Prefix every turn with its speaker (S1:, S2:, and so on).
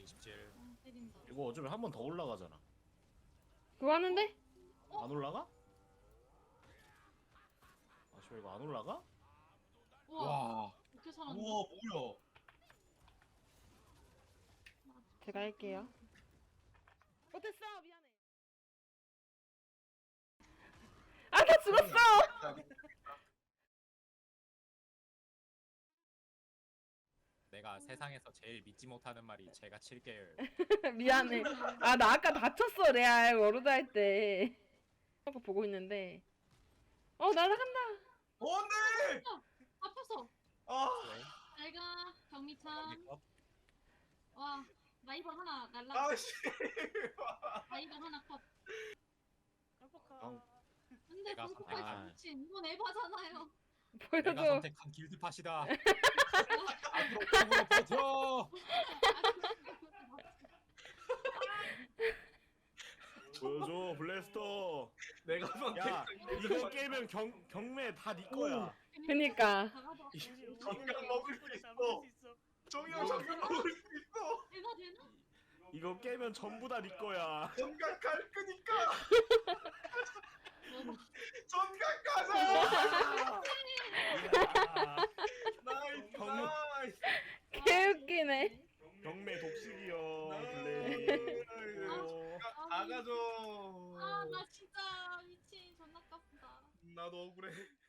S1: 27.
S2: 때린다.
S3: 이거 어쩌면 한 번 더 올라가잖아.
S4: 그거 하는데?
S3: 안 올라가? 아, 저 이거 안 올라가?
S2: 우와.
S1: 와.
S2: 어떻게 살았냐?
S1: 우와 뭐야?
S4: 제가 할게요. 못했어. 미안해. 아, 나 죽었어.
S1: 내가 세상에서 제일 믿지 못하는 말이 제가 칠게요.
S4: 미안해. 아, 나 아까 다쳤어, 레알 워로드 할 때. 하고 보고 있는데. 날아간다.
S1: 안돼.
S2: 아팠어.
S1: 아.
S2: 내가 경미참.
S1: 컷.
S2: 와. 라이벌 하나 날라.
S1: 아씨.
S2: 라이벌 하나 컷. 근데
S1: 내가
S2: 공포파이
S3: 선택한-
S2: 미친. 이건 에바잖아요.
S1: 내가
S4: 보여줘.
S1: 선택한 길드팟이다. 앞으로 콩으로 버텨.
S3: 보여줘, 블래스터.
S1: 내가
S3: 야, 이거 깨면 경매 다 네 거야.
S4: 그니까.
S2: 나가봐.
S1: 정강 먹을 수 있어. 정강 정강 먹을 수 있어.
S2: 에바 되나?
S3: 이거 깨면 전부 다 네 거야.
S1: 정강 갈 거니까.
S2: 뭐,
S1: 정강 가자.
S3: 이야,
S1: 나이스
S3: 경-
S1: 나이스.
S4: 개웃기네.
S3: 경매 독식이요,
S1: 나이스.
S3: 블레.
S1: 다 가져.
S2: 아, 나 진짜 미친. 존나 깝다.
S1: 나도 억울해.